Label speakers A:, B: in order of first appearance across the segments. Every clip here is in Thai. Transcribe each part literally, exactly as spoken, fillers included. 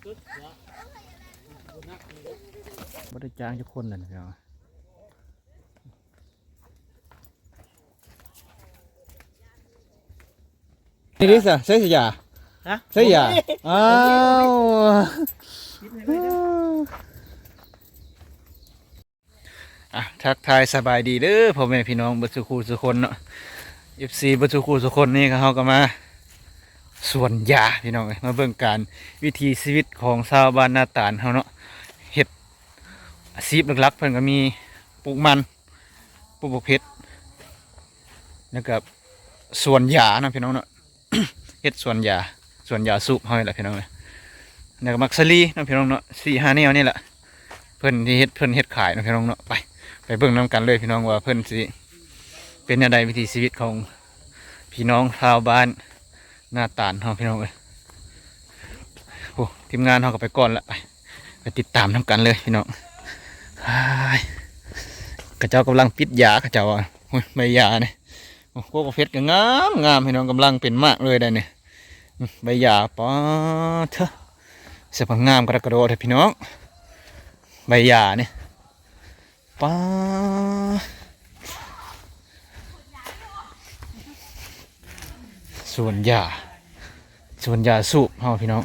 A: บ่ได้จ้างทุกคนเลยนะพี่น้องนี่ดิสะใช่สิยาฮะใช่ยาอ้าวอ่ะทักทายสบายดีเด้อพ่อแม่พี่น้องบัดสุขูสุคนเนาะ เอฟ ซี บัดสุขูสุคนนี่ก็เฮาก็มาสวนยาพี่น้องเอ้ยมาเบิ่งการวิถีชีวิตของชาวบ้านนาตาลเฮาเนาะเฮ็ดอาชีพหลักๆเพิ่นก็มีปลูกมันปลูกบักเพชรแล้วก็สวนยาเนาะพี่น้องเนาะ เฮ็ดสวนยาสวนยาสูบเฮานี่แหละพี่น้องเอ้ยแล้วก็มักสลีเนาะพี่น้องเนาะสี่ห้าแนวนี่แหละเพิ่นที่เฮ็ดเพิ่นเฮ็ดขายเนาะพี่น้องเนาะไปไปเบิ่งนํกันเลยพี่น้องว่าเพิ่นสิเป็นแนวใดวิถีชีวิตของพี่น้องชาวบ้านนาตาลเฮาพี่น้องเอ้ยโอ้ทีมงานเฮาก็ไปก่อนละไปไปติดตามนํกันเลยพี่น้องกระเจ้ากำลังปิดยากระเจ้าอ่ะโอ้ยใบยาเนี่ยโอ้โหกาแฟก็งามงามพี่น้องกำลังเป็นมากเลยได้เนี่ยใบยาป้อเถอะเสียงงามกระกระโดดพี่น้องใบยาเนี่ยป้าส่วนยาส่วนยาสูบเฮาพี่น้อง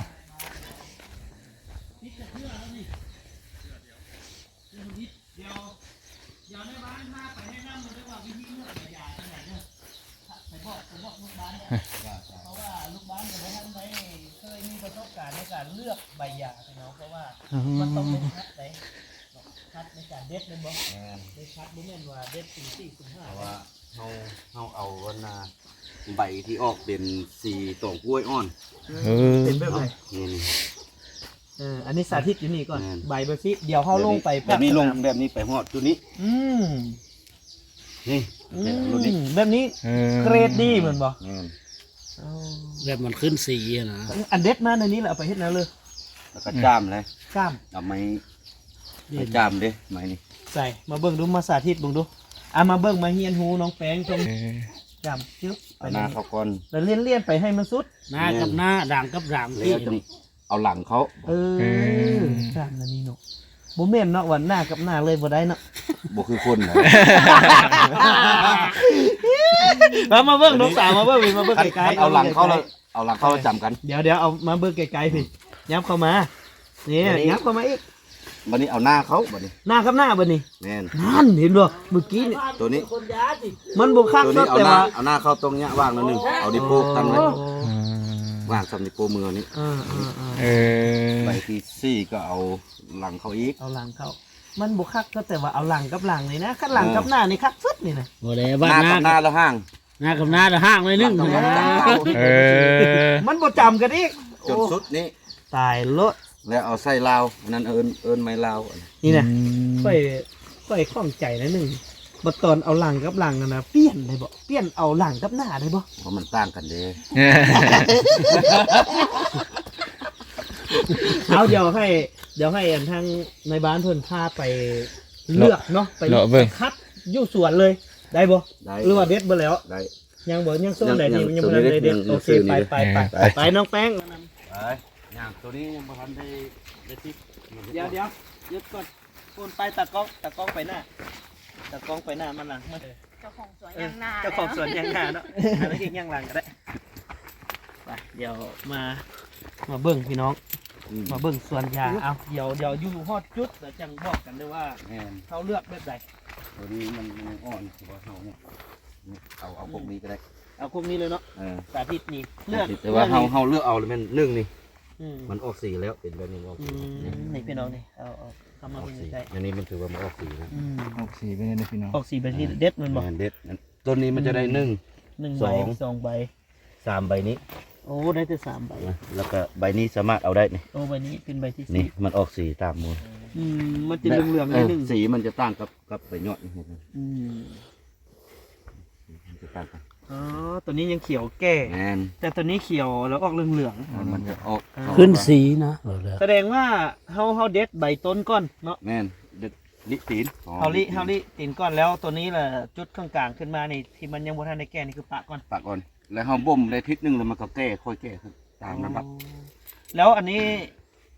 B: เลือกใบหญ้าพี่น้องเพราะว่ามันต้องเป็นคัดไหนคัดในการเด็ดเลยบ่ในคัดบ่แม่นว่าเด็ดสี่สี่สิบห้าเพราะว่าเฮาเฮาเอาวันนาใบที่ออกเป็นสีตองกล้วยอ่อนเป็นแบบไหนนี่เอออันนี้สาธิตอยู่นี่ก่อนใบแบบนี้เดี๋ยวเฮาลงไปแบบนี้ลงแบบนี้ไปฮอดตัวนี้อืมนี่แบบนี้เกรดดีเหมือนบ่แบบมันขึ้นสีนะอันเด็ดมาในนี้แหละเอาไปเฮ็ดแล้วเลยแล้วก็จ้ามเลยจ้ามเอาไม้ไม้จ้ามเด้ไม้นี่ใส่มาเบิ่งดูมาสาธิตเบิ่งดูอ่ะมาเบิ่งมาเฮียนหูน้องแป้งตรงจ้ามจึ๊บไปหน้าเขาก่อนแล้วเลี่ยนเลี่ยนไปให้มันสุดหน้ากับหน้าด่างกับด่างที่เอาหลังเขาเออจ้ามนั่นนี่เนาะบ่แม่นเนาะวันหน้ากับหน้าเลยบ่ได้เนาะบ่คือคนนะมามาเบิ่งน้องสาวมาเบิ่งมาเบิ่งไกลๆเอาหลังเขาแล้วเอาหลังเขาจำกันเดี๋ยวเดี๋ยวเอามาเบิ่งไกลๆพี่ย้ำเข้ามานี่ย้ำเข้ามาอีกบัดนี้เอาหน้าเขาบัดนี้หน้ากับหน้าบัดนี้แม่นนั่นเห็นบ่เมื่อกี้นี่ตัวนี้มันบ่คักเนาะแต่ว่าเอาหน้าเข้าตรงเนี้ยวางนิดนึงเอาดิโป้ตั้งไว้วางสำดิโป้มือนี้เออใบที่สี่ก็เอาหลังเขาอีกเอาหลังเขามันบุคักก็แต่ว่าเอาหลังกับหลังนี่นะคัดหลังกับหน้านี่คักสุดนี่นะโอ้เลยว่าหน้ากับหน้าแล้วห่างหน้ากับหน้าแล้วห่างเลยนึงมันบ่จำกันอีกจนสุดนี่ตายเลอะแล้วเอาไส้ลาวนั่นเอิญเอิญไม้ลาวนี่นะค่อยค่อยคล่องใจนะหนึ่งบัดตอนเอาหลังกับหลังนะเปลี่ยนได้บ่เปลี่ยนเอาหลังกับหน้าได้บ่เพราะมันต่างกันเด้เอาเดี๋ยวให้เดี๋ยวให้อันทางในบ้านเพิ่นพาไปเลือกเนาะไปคัดอยู่สวนเลยได้บ่หรือว่าเด็ดบ่แล้วได้ยังบ่ยังโซนไหนนี่ยังบ่ทันได้เด็ดโอเคไปไปไปไปน้องแป้งไปย่างตัวนี้ยังบ่ทันได้ได้ติดเดี๋ยวเดี๋ยวยึดก่อนคนไปตะก้องตะก้องไปหน้าตะก้องไปหน้ามันหลังมาเจ้าของสวนยังหน้าเจ้าของสวนยังหน้าเนาะอันนี้ยังหลังก็ได้ไปเดี๋ยวมามาเบิ่งพี่น้องมาเบิ่งส่วนยาเอาเดี๋ยวเดี๋ยวอยู่ฮอดจุดแล้วจังบอกกันด้วยว่าเขาเลือกแบบใดตัวนี้มันมันอ่อนถือว่าเขาเนี่ยเอาเอาพวกนี้ก็ได้เอาพวกนี้เลยเนาะสาธิตนี่เลือกแต่ว่าเขาเขาเลือกเอาเลยมันนึ่งนี่มันออกสีแล้วเป็นแบบนี้ออกสีนี่พี่น้องนี่เอาเอาเข้ามาเป็นใจอันนี้มันถือว่ามันออกสีนะออกสีเป็นไงพี่น้องออกสีแบบนี้เด็ดมันบอกเด็ดต้นนี้มันจะได้หนึ่งหนึ่งใบสองใบสามใบนี้โอ้ได้แต่สามใบแล้วก็ใบนี้สามารถเอาได้นี่โอ้ใบนี้เป็นใบที่นี่มันออกสีตามมืออืมมันจะเหลืองๆนิดนึงสีมันจะต่างกับกับใบยอดนี่อืมมันจะต่างกันอ๋อตัวนี้ยังเขียวแก่แต่ตัวนี้เขียวแล้วออกเหลืองๆมันจะออก
C: ขึ้นสีนะ
B: แสดงว่าเฮาเฮาเด็ดใบต้นก้อนเนาะ
D: แม่นเด็ดลิตีน
B: เฮาลิเฮาลิตีนก้อนแล้วตัวนี้แหละจุดข้างกลางขึ้นมานี่ที่มันยังบ่ทันได้แก่นี่คือปะก่อน
D: ปะก่อนแล้วเขาบ่มได้ทิศนึงแล้วมันก็แก้ค่อยแก้ขึ้นตามระดับ
B: แล้วอันนี้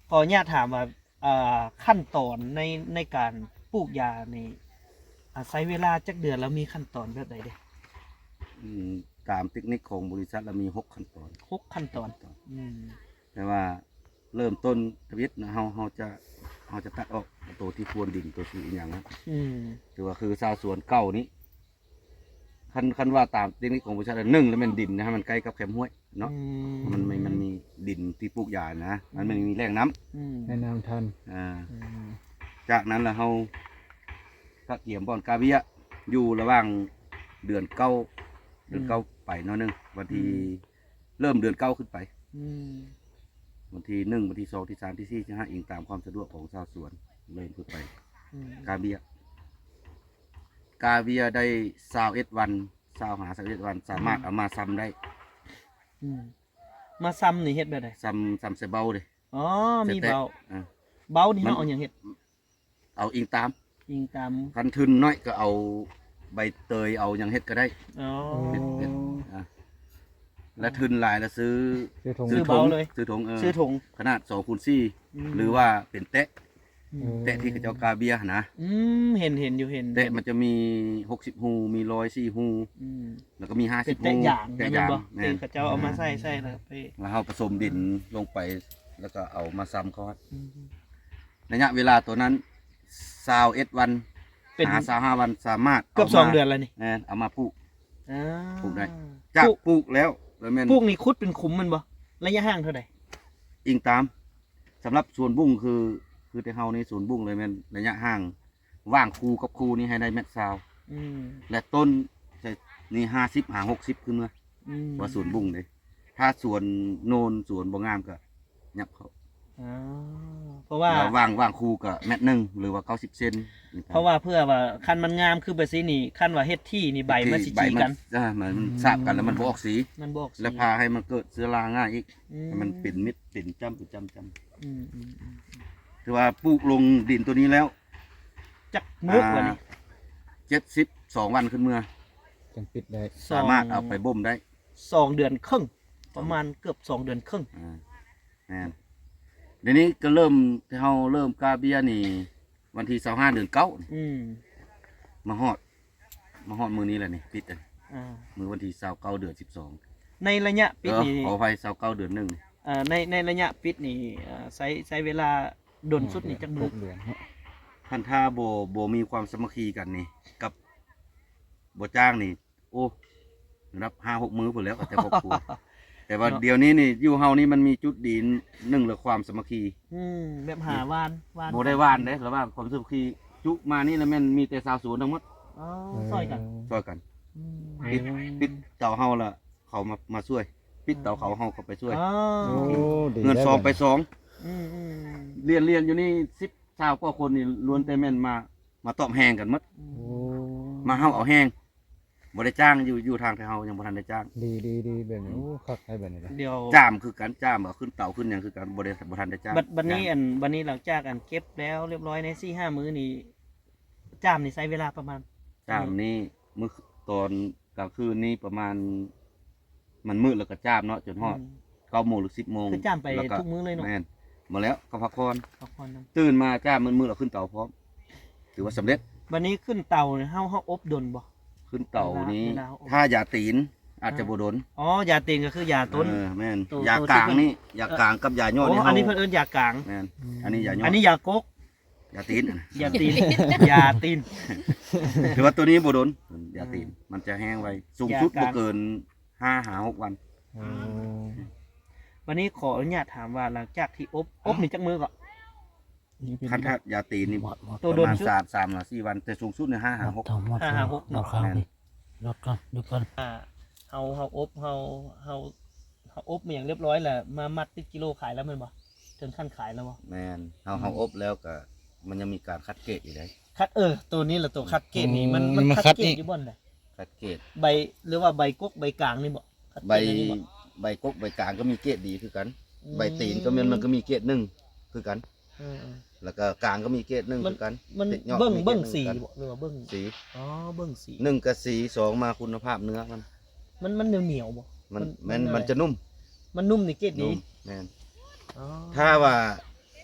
B: ขออนุญาตถามว่าอ่าขั้นตอนในในการปลูกยานี่อ่าใช้เวลาจักเดือนแล้วมีขั้นตอนแบบใดเด้
D: อืมตามเทคนิคของบริษัทเรามีหกขั้นตอน
B: หกขั้นตอนอืม
D: แต่ว่าเริ่มต้นทวิตนะเฮาเฮาจะเฮาจะตัดออกตัวที่พรวนดินตัวที่อหย่างนะ
B: อืม
D: ถือว่าคือชาวสวนเก่านี้คันคันว่าตามเทคนิคของบริษัทหนึ่งแล้วมันดินนะฮะมันใกล้กับแคมห้วยเนาะ
B: อื
D: มันไม่มันมีดินที่ปลูกยานะมันไม่มีแรงน้ำ
B: อืม
A: แนะนำทัน
D: อ่า
B: อืม
D: จากนั้นแล้วเราก็เตรียมบอนกาเบียอยู่ระหว่างเดือนเก้าเดือนเก้าไปเนาะหนึงวันที่เริ่มเดือนเก้าขึ้นไป
B: อืม
D: วันที่หนึ่งวันที่สองที่สามที่สี่ที่ห้าอิงตามความสะดวกของชาวสวนเริ่มขึ้นไป
B: อืม
D: กาเบียกาเบียได้สาวเอ็ดวันสาวหาสาวเอ็ดวันสามารถเอามาซ้ำได้
B: อืมมาซ้ำนี่เฮ็ดแบบใด
D: ซ้ำซ้ำใส่เบาเลย
B: อ๋อมีเบา
D: อ่า
B: เบานี่
D: มัน
B: เฮาเอาหยังเฮ็ด
D: เอาอิงตาม
B: ยิงตาม
D: คันทึนน้อยก็เอาใบเตยเอาอย่างเฮ็ดก็ได้
B: อ๋อ
D: เฮ็ดเฮ็ดอ่ะและทึนหลายแล้วซื้อ
A: ซื้อทง
B: ซื้อเบาเลย
D: ซื้อถุงเออ
B: ซื้อถุง
D: ขนาดสองคูณสี่
B: ม
D: หรือว่าเป็นเตะ
B: อืม
D: เตะที่เขาเจ้ากาเบียนะ
B: อืมเห็นเห็นอยู่เห็น
D: เตะมันจะมีหกสิบหูมีร้อยสี่หู
B: อืม
D: แล้วก็มีห้า
B: เป็
D: สิ
B: น
D: บหู
B: แต่อย่าง
D: แต่
B: นะ
D: อ
B: แม่น
D: ย่าง
B: บ่
D: แม่
B: ที่
D: น
B: เขาเจ้าเอามาใส่ใส่แล้วไป
D: แล้วเราผสมดินลงไป แล้วก็เอามาซ้ำเขา
B: อืม
D: ระยะเวลาตัวนั้นสาวเอ็ดวัน
B: เป็น
D: หาสาวห้าวันสามารถ
B: เกือบ
D: า
B: สองเดือนแล้วนี่
D: แม่นเอามาปลูก
B: อ่า
D: ปลูกได้ จากปลูกแล้วแล้วแม่น
B: ปลูกนี่คุดเป็นขุมมันบ่ระยะห่างเท่าใด
D: อิงตามสำหรับสวนบุ้งคือคือแต่เฮาในสวนบุ้งเลยแม่นระยะห่างว่างคูกับคูนี่ให้ได้เม็ดซาว
B: อืม
D: และต้นจะนี่ห้าสิบหาหกสิบขึ้นมา
B: อืม
D: ว่าสวนบุ้งเลยถ้าสวนโนนสวนบ่งามก็ยับเขา
B: อ๋อเพราะว่า
D: แล้วว่างว่างคูก็เม็ดหนึ่งหรือว่าเก้าสิบเซน
B: เพราะว่าเพื่อว่าคันมันงามคือแบบนี้นี่คันว่าเฮ็ดที่นี่ใบมันสิ
D: ใบ
B: จี
D: มั
B: กัน
D: อ่ามันมันสาบกันแล้วมันบ่ออกสี
B: มันบอกสิ
D: แล้วพาให้มันเกิดเชื้อราง่ายอีก
B: อื
D: ให้มันเป็นมิดเป็นจ้ำเป็นจ้ำจ้
B: อืมอืมอืม
D: ำคือว่าปลูกลงดินตัวนี้แล้ว
B: จักมุกว่านี่
D: เจ็ดสิบสองวันขึ้นเมื่อ
A: จังปิดได้
B: สอง
D: สามารถเอาไปบ่มได้
B: สองเดือนครึ่งประมาณเกือบสองเดือนครึ่ง
D: อ่าแม่นเดี๋ยวนี้ก็เริ่มที่เราเริ่มกาเบียนี่ วันที่สองห้าเดือนเก้า
B: อืม
D: มาฮอด มาฮอดมือนี้แหละนี่ปิดเลย
B: อ่า
D: มือวันที่สาวเก้าเดือนสิบสอง
B: ในระยะปิดนี่
D: ขออภัยสาวเก้าเดือนหนึ่ง
B: อ่าในในระยะปิดนี่อ่าใช้ใช้เวลาดนสุดนี่จักมื
A: ห
B: อก
A: เดือนเนาะ
D: ท่านถ้าโบโบมีความสามัคคีกันนี่ กับโบจ้างนี่ โอ้รับห้าหกมือผลแล้วแต่ครอบครัว แต่ว่าเดี๋ยวนี้นี่อยู่เฮานี่มันมีจุดดีหนึ่งเลยความสามัคคี
B: อืมแบบหาวานวาน
D: โบได้ว่านเด้แล้วว่าความสามัคคีจุมานี่แล้วแม่นมีแต่สาวสวนทั้งหมด
B: อ๋อซอยกัน
D: ช่วยกัน
B: อืม
D: ปิดปิดเต่าเฮาละเขามามาช่วย ปิดเต่าเขาเฮาก็ไปช่วย
B: อ๋อ
A: โอ้ดี
D: เงิน
A: แล้ว
D: ซองไป
A: บัด
D: สอง
B: อืมอืม
D: เรียนเรียนอยู่นี่สิบชาวกว่าคนนี่ล้วนแต่แม่นมามาตอบแหงกันหมด
B: อื
A: โอ้
B: ม
D: มาเฮาเอาแหงบ่ได้จ้างอยู่อยู่ทางที่เฮายังบ่ทันได้จ้าง
A: ดีดีดีแบบนี้โอ้คักให้แบบนี้เลย
B: เดี๋ยว
D: จ้ามคือการจ้ามเอาขึ้นเต่าขึ้นหยังคือการบ่ได้บ่ทันได้จ้าง
B: บัดบัดนี้อันบัดนี้หลังจากอันเก็บแล้วเรียบร้อยในสี่ห้ามื้อนี่จามนี่ใช้เวลาประมาณ
D: จ้ามนี่มื้อตอนกลางคืนนี่ประมาณ มันมืดแล้วก็จ้ามเนาะจนฮอด
B: อืม
D: เก้าโมงหรือสิบโมง
B: คือจ้ามไป
D: แล้ว
B: ทุกมื้อเลยเนาะ
D: แม่นมาแล้วก็พักผ่อน
B: พักผ่อนนำ
D: ตื่นมาจ้ามมืดๆแล้วขึ้นเต่าพร้อมถือว่าสำเร็จ
B: บัดนี้ขึ้นเตาเนี่ยเฮาเฮาอบดนบ่
D: ขึ้นเต่านี้
B: เวลาเอา
D: ถ้ายาตีนอาจจะบ่โดน
B: อ๋อยาเต็งก็คือยาต้น
D: เออแม่น
B: ตัว
D: ยากลางนี่ยากลางกับยาย่อ
B: โอ้
D: นี่
B: อัน
D: เฮา
B: นี้เพิ่นเอิ้นยากลาง
D: แม่นอันนี้ยาย่อ
B: อั
D: อั
B: นนี้ยากก
D: ยาตีนอะนะ
B: ยาตีน ยาตีน
D: ถือว่าตัวนี้บ่โดนยาตีนมันจะแห้งไวสูงสุด
B: ยากลาง
D: บ่เกินห้าหาหกวัน
A: โอ้
B: วันนี้ขออนุญาตถามว่าหลังจากที่อบอบนี่จักมือก็
D: คันถ้ายาตีนนี่
B: ตัว
D: ป
B: โด
D: ระ
B: น
D: มาณ
B: ชุด
D: สามสามหรือสี่วัน แต่สูงสุดเนี่ยห้าหาหก
B: ห้าห้าหก
A: รอข้าวดิรอก่อนดูก่อน
B: อ่าเฮาเฮาอบเฮาเฮาเฮาอบมาอย่างเรียบร้อยแหละมามัดติดกิโลขายแล้วแมันบ่ถึงขั้นขายแล้วบ่
D: แม่นเฮาเฮาอบแล้วก็มันยังมีการคัดเกรดอีกได้
B: คัดเออตัวนี้แหละตัวคัดเกรดนี่มันมันคัดเกรดอยู่บ่อนเลย
D: คัดเกรด
B: ใบหรือว่าใบกกใบกลางนี่บ่คัด
D: ใบ
B: เกรดอันนี้บ่
D: ใบกกใบกลางก็มีเกรดดีคือกัน
B: อืม
D: ใบตีนก็มันมันก็มีเกรดหนึ่งคือกัน
B: เออเออ
D: แล้วก็กลางก็มีเกรดหนึ่ง
B: มัน
D: คือกัน
B: มัน
D: ติดยอด
B: เบิ้ง
D: มีกรด
B: เบิ้ง
D: หนึ่
B: สี
D: คือกัน
B: บ่หรือว่าเบิ้ง
D: สี
B: อ๋อเบิ้งสี
D: หนึ่งกับสีสองมาคุณภาพเนื้อมัน
B: มันมันเหนียวเหนียวๆบ่
D: มัน
B: มั
D: มัน น
B: อะไร
D: มันจะนุ่ม
B: มันนุ่มนี่เกรดดี
D: นุ่มแม่น
B: อ๋อ
D: ถ้าว่า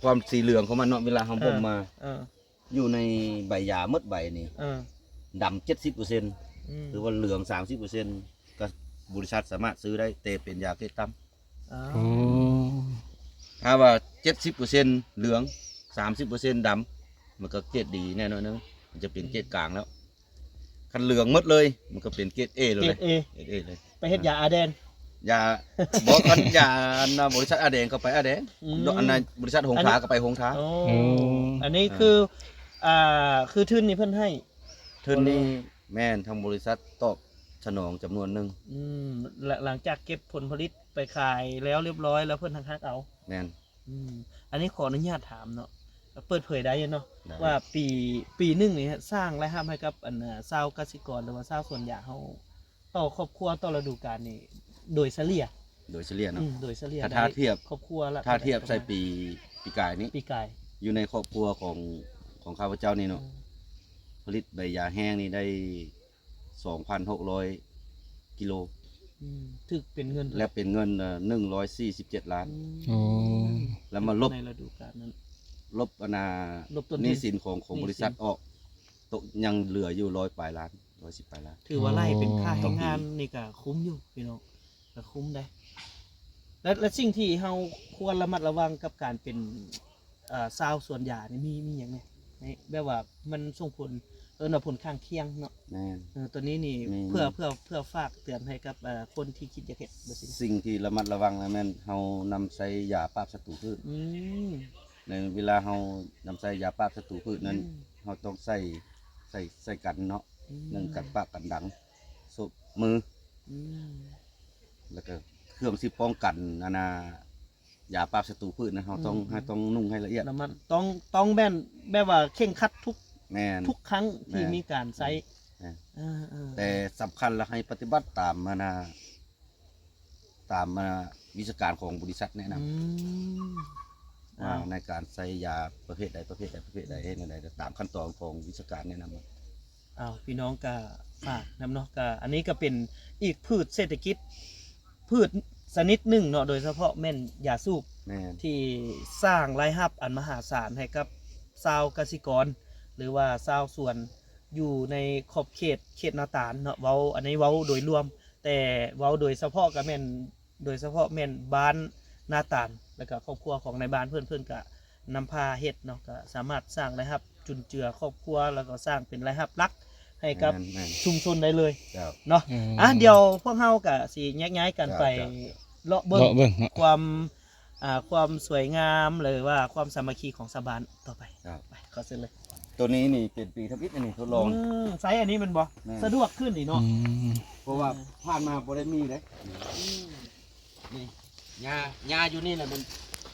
D: ความสีเหลืองของมันเนาะเวลาเฮาบ่มมา
B: เออ
D: อยู่ในใบยาหมดใบนี่
B: เออ
D: ดำเจ็ดสิบเปอร์เซ็นต์
B: อืม
D: หรือว่าเหลืองสามสิบเปอร์เซ็นต์ก็บริษัทสามารถซื้อได้แต่เป็นยาเกล็ดต่ำ
B: อ๋อ
A: โอ้
D: ถ้าว่าเจ็ดสิบเปอร์เซ็นต์เหลืองสามสิบเปอร์เซ็นต์ดำมันก็เกรดดีแน่นอนนะมันจะเป็นเกรดกลางแล้วคันเหลืองหมดเลย มันก็เป็นเกรดเอเลย
B: เกรด A
D: เกรดเอเลย
B: ไปเฮ็ดยาอาแดน
D: ยาบอกกันยาอันน่ะบริษัทอาแดงก็ไปอาแดง
B: อืม
D: อันนั้นบริษัทหง
B: อันนี้
D: ท้าก็ไปหงท้า
B: โอ้
A: โอ้
B: อันนี้คืออ่าคือทุนนี่เพิ่นให้
D: เทินนี่แม่นทางบริษัทตอบสนองจำนวนหนึ่ง
B: อืมหลังหลังจากเก็บผลผลิตไปขายแล้วเรียบร้อยแล้วเพิ่นทางคักเอา
D: แม่น
B: อืมอันนี้ขออนุญาตถามเนาะเปิดเผยได้เนาะ
D: ได้
B: ว่าปีปีหนึ่งนี่ฮะสร้างรายรับให้กับอันน่ะชาวเกษตรกรหรือว่าชาวสวนยางเฮาต่อครอบครัวต่อฤดูกาลนี่โดยเฉลี่ย
D: โดยเฉลี่ย
B: อื
D: เนาะ
B: มโดยเฉลี่ย
D: ถ้า
B: ได้
D: ถ้าเทียบ
B: ครอบครัวละ
D: ถ้าเทียบใส่ปีปีกายนี้
B: ปีกาย
D: อยู่ในครอบครัวของของข้าพเจ้านี่เนาะผลิตใบยาแห้งนี่ได้สองพันหกร้อยกิโล
B: อืมถึกเป็นเงิน
D: และเป็นเงินหนึ่งร้อยสี่สิบเจ็ดล้าน
A: โอ้
D: แล้วมาลบ
B: ในฤดูกาลนั้น
D: ลบอนา
B: ลบต้นทุน
D: หนี้สินของของ
B: หนี้สิน
D: บริษัทออกตกยังเหลืออยู่ร้อยปลายล้านร้อยสิบปลายล้าน
B: ถือว่าไล่เป็นค่า
D: ต่
B: ให้
D: อปี
B: งานนี่ก็คุ้มอยู่พี่น้องก็คุ้มได้ และและสิ่งที่เฮาควรระมัดระวังกับการเป็นเอ่อชาวสวนยางนี่มีมีอย่างไงนี่แบบว่ามันส่งผลเออผลข้างเคียงเนาะ
D: แน่น
B: เออตัวนี้นี่
D: มี
B: เพื่อเพื่อเพื่อฝากเตือนให้กับเอ่อคนที่คิดจะเฮ็ดบ่สิ
D: สิ่งที่ระมัดระวังนะแม่นเฮานำใส่ยาปราบศัตรูพืช
B: อืม
D: ในเวลาเฮานำใส่ยาปราบศัตรูพืชนั้นเฮาต้องใส่ใส่ใส่กันเนาะ
B: อืม
D: หนึ่งกันปากกันดังศพมือ
B: อืม
D: แล้วก็เครื่องที่ป้องกันนานายาปราบศัตรูพืชนะเราต้องให้ต้องนุ่งให้ละเอียด
B: แล้วมันต้องต้องแม่นแบบว่าเข่งครัดทุก
D: แม่น
B: ทุกครั้งที่
D: แม่น
B: มีการใช้
D: แม่น
B: เออเออ
D: แต่สำคัญและให้ปฏิบัติตามมานาตามมาวิชาการของบริษัทแนะน
B: อืม
D: ำว่า
B: อ้าว
D: ในการใส่ยาประเภทใดประเภทใดประเภทใดให้ในใดตามขั้นตอนของวิชาการแนะนำมา
B: อ้าวพี่น้องก็ฝากนำเนาะก็อันนี้ก็เป็นอีกพืชเศรษฐกิจ พืชชนิดหนึ่งเนาะโดยเฉพาะแม่นยาสูบ
D: แม่น
B: ที่สร้างรายรับอันมหาศาลให้กับชาวเกษตรกร หรือว่าชาวสวนอยู่ในขอบเขตเขตนาตาลเนาะเว้าอันนี้เว้าโดยรวม แต่เว้าโดยเฉพาะก็แม่นโดยเฉพาะแม่นบ้านนาตาลแล้วก็ครอบครัวของในบ้านเพื่อนเพื่อนก็นำพาเฮ็ดเนาะก็สามารถสร้างรายรับจุนเจือครอบครัวแล้วก็สร้างเป็นรายรับหลักให้กับ
D: แม่นแม่น
B: ชุมชนได้เลย
D: เจ้า
B: เนาะอ่ะเดี๋ยวพวกเฮาก็สิแยกย้ายกันไป
D: จ้ะ
B: เลาะเบิ่ง
A: เลาะเบิ่งเนาะ
B: ความอ่าความสวยงามหรือว่าความสามัคคีของชาวบ้านต่อไป
D: เจ้า
B: ไปขอเซ็นเลย
D: ตัวนี้นี่เป็นปีทับอิฐอันนี่ทดลอง
B: มไซส์อันนี้มันบ่
D: แม่
B: สะดวกขึ้นนี่
A: อื
B: เนาะ
A: ม
D: เพราะว่าผ่านมาบ่ได้มีเลยนี่ยาหญ้าอยู่นี่แหละมัน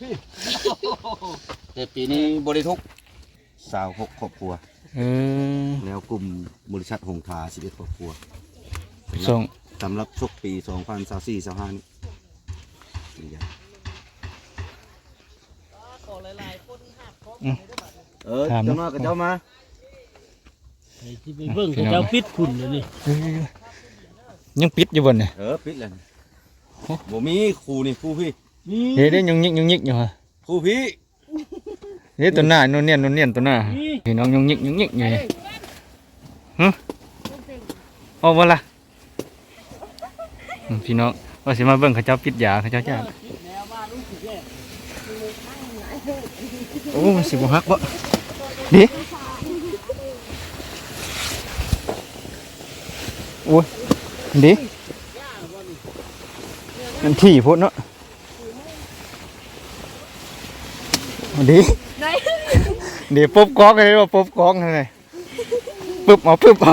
D: แต่ปีนี้บริทุกสาวหกครอบครัว
A: เออ
D: แล้วกลุ่มบริษัทหงทาสิบเอ็ดครอบครัว
A: ส่ง
D: สำหรับชกปีสองพันสามสี่สามห้านี่นี่ยา
B: ขอหลายๆคนหักของ
D: เออเจ้ามากับเจ้ามา
B: ที่ไปเบิ่งเขาเจ้าปิดคุณเลยนี่
A: เออยังปิดอยู่บนเนี่ย
D: เออปิดเลยบ่มีครูนี่ครูพี่
B: นี่
A: เฮ้ยได้ยังยิกยังยิกอยู่ฮะ
D: ครูพี่
A: เฮ้ยตัวหน้าโนนเนียนโนนเนียนตัวหน้าพี่น้องยังยิกยังยิกอยู่เนี่ยฮะโอ้บ่ล่ะอืมพี่น้องว่าสิมาเบิ่งเขาเจ้าปิดยาเขาเจ้าจ้าโอ้มันสิบ่ฮักบ่ดิโอ้ยดิมันที่พุ่นเนาะดิเดี๋ยวปุ๊บก๊อกเลยว่าปุ๊บก๊อกเลยปุ๊บเอาปุ๊บเอา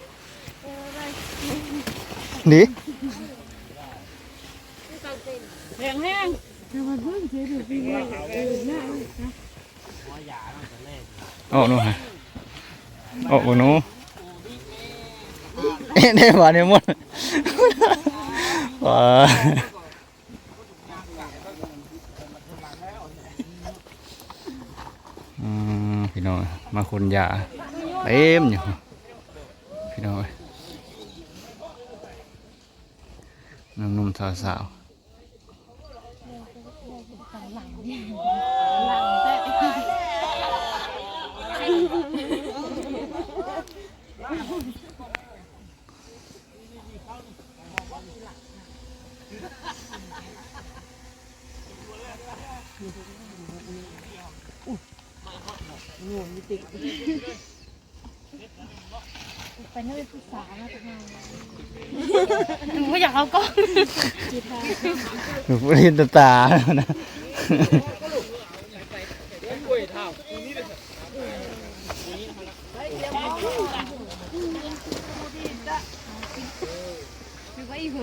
A: ดิ
C: แห้งแห้ง
A: ออกหนูฮะออกบ่หนูเอ๊ะได้บ่เนี่ยหมดว้าอืมพี่น้องมาคนยาเต็มอยู่พี่น้องหนุ่มๆสาว
C: หลังแต่ไปนั่งเป็นผู้สาวนะทุกคนหนูอยากเอากล้อง
A: หนูเห็นตาตานะ
C: คือว่าอีก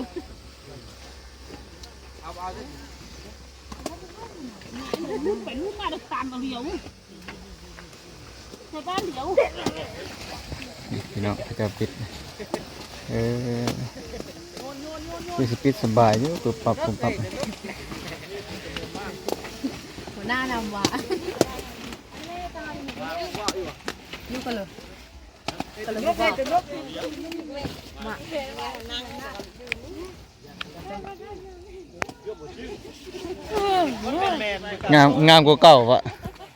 C: ลูกไปลูกมาดักตามเอาเดียวในบ้านเดียว
A: พี่น้องเขาจะปิดเออคือสปิดสบายอยู่ตัวปรับผมปรับ
C: หัวหน้านำวะลูกกันเลยกันเลยบอกมาง
A: ามงามกว่าเก่าวะ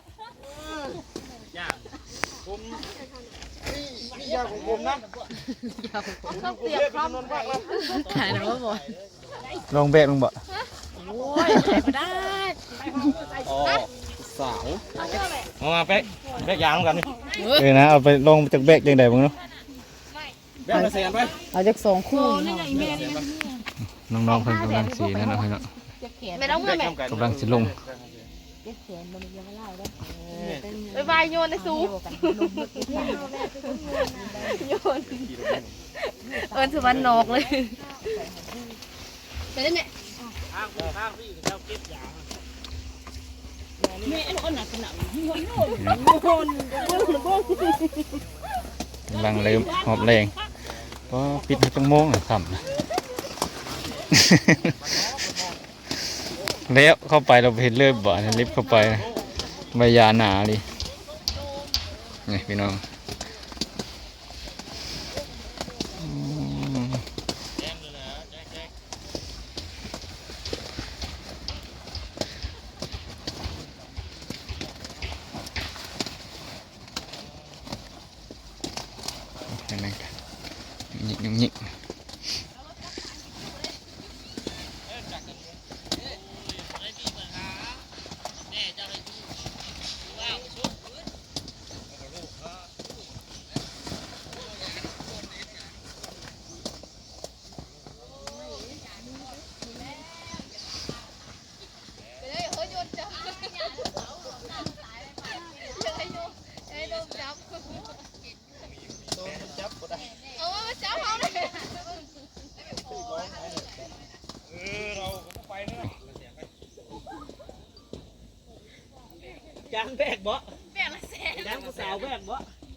C: ต้องเตรียมพร้อมไปขายนะว่าบ่
A: ลองแบกลงบ่
C: โอ้ยไม่ได้
B: อ๋อสาวมามาเป๊กเป๊กยางกันนี่
A: เออนะเอาไปลงจากแบกยังไงบ้างเนาะ
B: แป๊กมาเสียนไป
C: เอาจากสองคู่นี่ไงแม่นี่
A: น้องๆเพิ่นกำลังสีนั่นเนาะพี่เนาะ
C: ไม่ต้องเมื่อแม่
A: กำลังสิลง
C: ไปวายโยนในซูโยนเอิญสุวรรณนอกเลยไปได้ไหมแม่ไอ้คนหนักขนาดนี้คนโยนโยนโยน
A: กำลังเริ่มหอบแรงก็ปิดให้จังโมงค่ำนะ แล้วเข้าไปเราเห็นเริ่มบ่อนลิฟต์เข้าไปใบยาหนาดินี่พี่น้องอืมเห็นไหมหยิกหยิก
B: ยางแบกบ่
C: แบกละแสน
B: ยางผู้สาวแบกบ่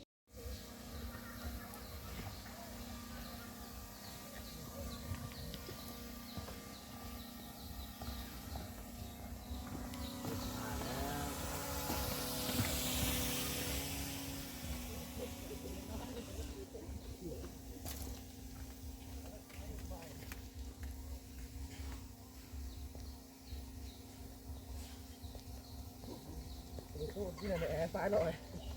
B: ที่ไหนแอร์ซ้ายหน่อย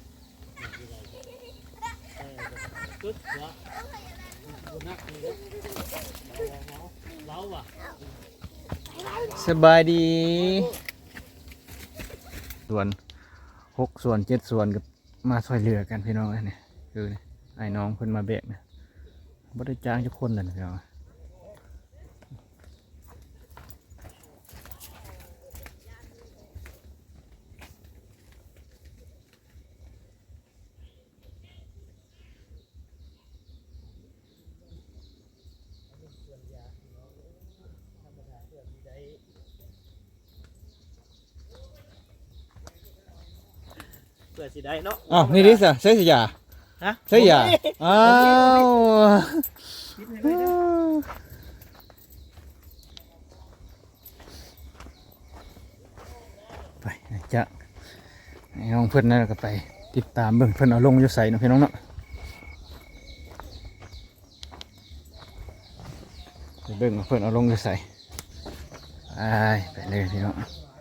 B: ตุ๊ดเหรอนักเลยเล้าว่ะ
A: สบายดีส่วนหกส่วนเจ็ดส่วนกับมาช่วยเหลือกันพี่น้องเนี่ยคือไอ้น้องเพิ่นมาแบกนะบ่ได้จ้างทุกคนเลยนะพี่น้อง
B: เปิดสิได้เนาะ
A: อ้าวนี่ดิสะใช่สิยา
B: ฮะ
A: ใช่ยาอ้าวไปจะไอ้น้องเพิ่นนั่นก็ไปติดตามเบิ่งเพิ่นเอาลงอยู่ใส่เนาะพี่น้องเนาะไปเบิ่งว่าเพิ่นเอาลงอยู่ใส่ไปไปเลยพี่น้อง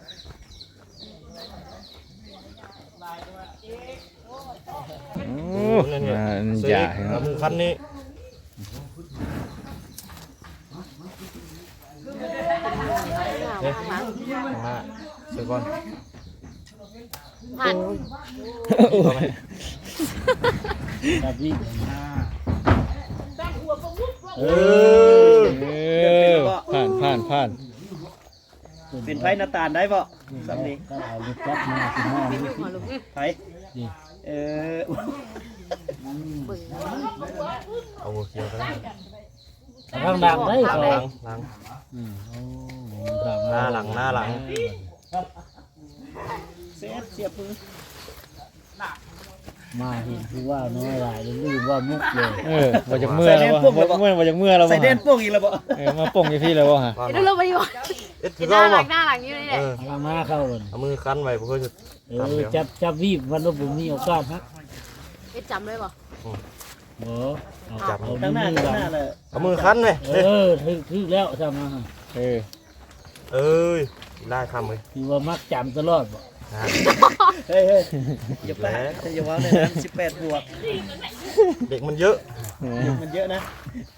A: โอ้มันใหญ่เนาะ
B: คันนี้
A: เสือก่อน
C: ผ่าน
B: แบบนี้เอ
A: เอ
B: อ
A: อผ่านผ่านผ่าน
B: เป็นไพ่หน้าตาลได้ป่ะสำนี้
E: ก็เอาลูกจับมาสิมานี่
C: หัวลุก
B: ไพ่เออ
C: เบิ่ง
F: เอาหัวเขียวกัน
E: ข้างดังได้
F: หลั
E: เขา
F: งหลังหลัง
E: อืมโอ้โหครับ
F: หน้าหลังหน้าหลัง
B: เสียเสียบมือ
E: มาเห็นคือว่าน้อยหลายลืมว่ามุกเลย
A: เออมาจากเมื่อแล้ววะเมื่อมาจากเมื่อแล้ว
B: ใส่
A: วะ
B: เด่นพวกอีกแล้วบ่
A: เออมาป่งอยู่พี่แล้ววะฮะ
C: เดี๋ยวเราไปอยู่
F: เอ็ด
C: เห็
F: คื
C: น
F: อ
C: หน้า
F: เรา
C: หลั
F: บ่
C: งหน้าหลังอยู่นี่แหละ
F: เออ
E: เอามาเข้ากัน
F: เอามือคั้นไว้เพื่อจะ
E: เออจับจับวีบวันละผมมีโอกาสฮะ
C: เอ็ดจำเลยป่ะ
E: โอ้เอา
F: จับ
E: เอา
B: ข้างหน้า
E: มือ
B: ข้างหน้า
E: กัน
B: เลย
F: เอามือคั้นไว้
E: เออถึกถึกแล้วทำมา
A: เออ
F: เอ้ยได้คำเลย
E: คือว่ามักจำตลอดบ่
F: นะ
B: เฮ้ยเฮ้ยอย่าไปอย่าว่าเลยนะสิบแปดบวก
F: เด็กมันเยอะ
B: มันเยอะนะ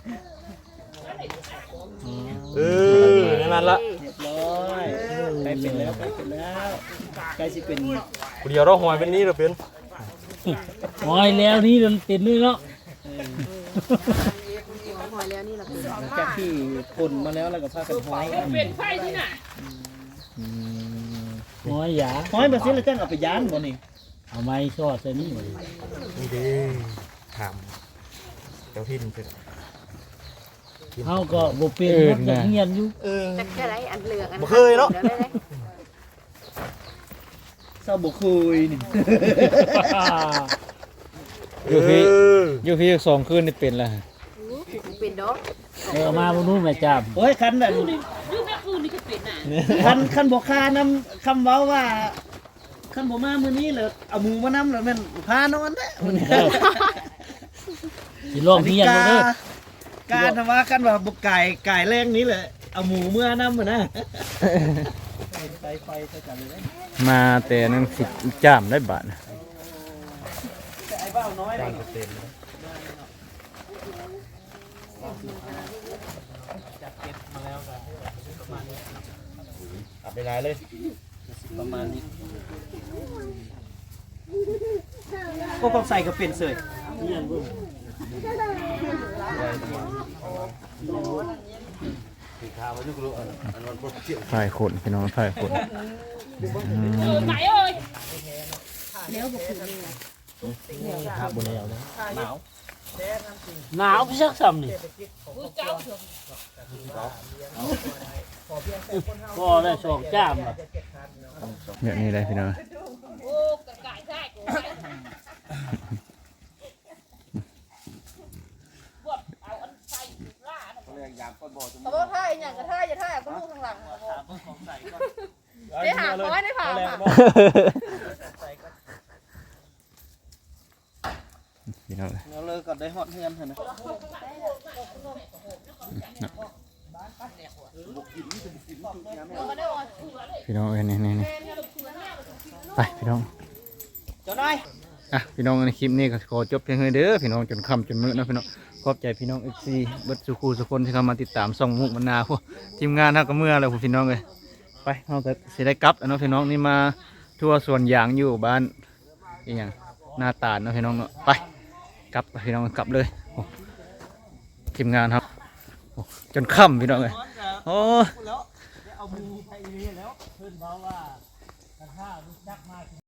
F: เออนั่นละ
B: เรียบร้อยใกล้เป็นแล้วใกล้เป็นแล้วใกล้สิเป็น
F: กูเดียวเราหอยเป็นนี้เราเป็น
E: หอยแล้วนี่มันติดนี่เนาะ
C: หอยแล้วนี่แหละคือ
B: หลังจากที่ผลมาแล้วแล้วก็พากันห้อย
A: อืม
E: หอยหยา
B: ห้อยมาสิแล้วจังเอาไปย้านบ่นี่
E: เอาไม้ชอดใส่นี่
F: นี่เด้ถามเจ้าทินเป็น
E: เฮาก็บ่เป็นหมดอย่างเงียนอยู่
F: เออ
C: จะแค่ไรอันเหลืองอัน
F: บ่เคยเนาะ
C: ดี๋วได้เลย
B: เศร้าบ่คุยนี่
A: อยู่พี่
F: เออ
A: อยู่พี่สองคืนนี่เป็นแล้วฮะ
C: อู้เป็นดอก
E: เออมาบ่นู้นแม่จาม
B: โอ้ยคันแบบคันคันบ่คานำคำเว้าว่าคันบ่มามื้อนี้เลยเอาหมูมานำแล้วแม่นพานอนเด้อมื้อนี้
E: สิลองเงียนบ่เด้อ
B: การทำว่ากันว่าบุกไก่ไก่แรงนี้เลยเอาหมูเมื่อน้ำมานะไฟไฟใส่กันเลยนะ
A: มาแต่นั่นสิจ้ามได้บาทนะ
B: แต่ไอ้บ้าน้อยเลย
F: อับไปหลายเลย
B: ประมาณนี้ก็ต้องใส่กระเป็นเสย
A: ฝ่ายขนพี่น้องฝ่ายขนอืม
E: ครับบ่แล้วนะหนาวหนาวพี่ชักซ้ำนี่ก็ได้สองจ้ามอ่ะ
A: แบบนี้เลยพี่น้อง
C: เขาบอกท่าอย่างกระท่าอย่าท่าก็ลูกข้างหลังได้หาคอยได้ผ่าค่ะ
A: พี่น้อง
B: เราเลิกก่อนได้ฮอตเฮือนเถอะนะ
A: พี่น้องเอ้ยนี่นี่นี่ไปพี่น้อง
B: เจ้านาย
A: อ่ะพี่น้องในคลิปนี้ก็ขอจบเพียงเท่านี้เด้อพี่น้องจนค่ำจนมื้อนะพี่น้องขอบใจพี่น้องเอฟซีเบิดสุขูสุคนที่เข้ามาติดตามส่องมุกมนาพวกทีมงานเฮาก็เมื่อแล้วพวกพี่น้องเอ้ยไปเฮาก็สิได้กลับแล้วเนาะพี่น้องนี่มาทั่วสวนยางอยู่บ้านอีหยังหน้าตาลเนาะพี่น้องเนาะไปกลับไปพี่น้องกลับเลยโอ้ทีมงานครับโอ้จนค่ำพี่น้องเอ้ยโอ้
B: แล้วเอาหมูไปนี่แล้ว
E: เพิ่นบอกว่ากระทะรู้จักมาก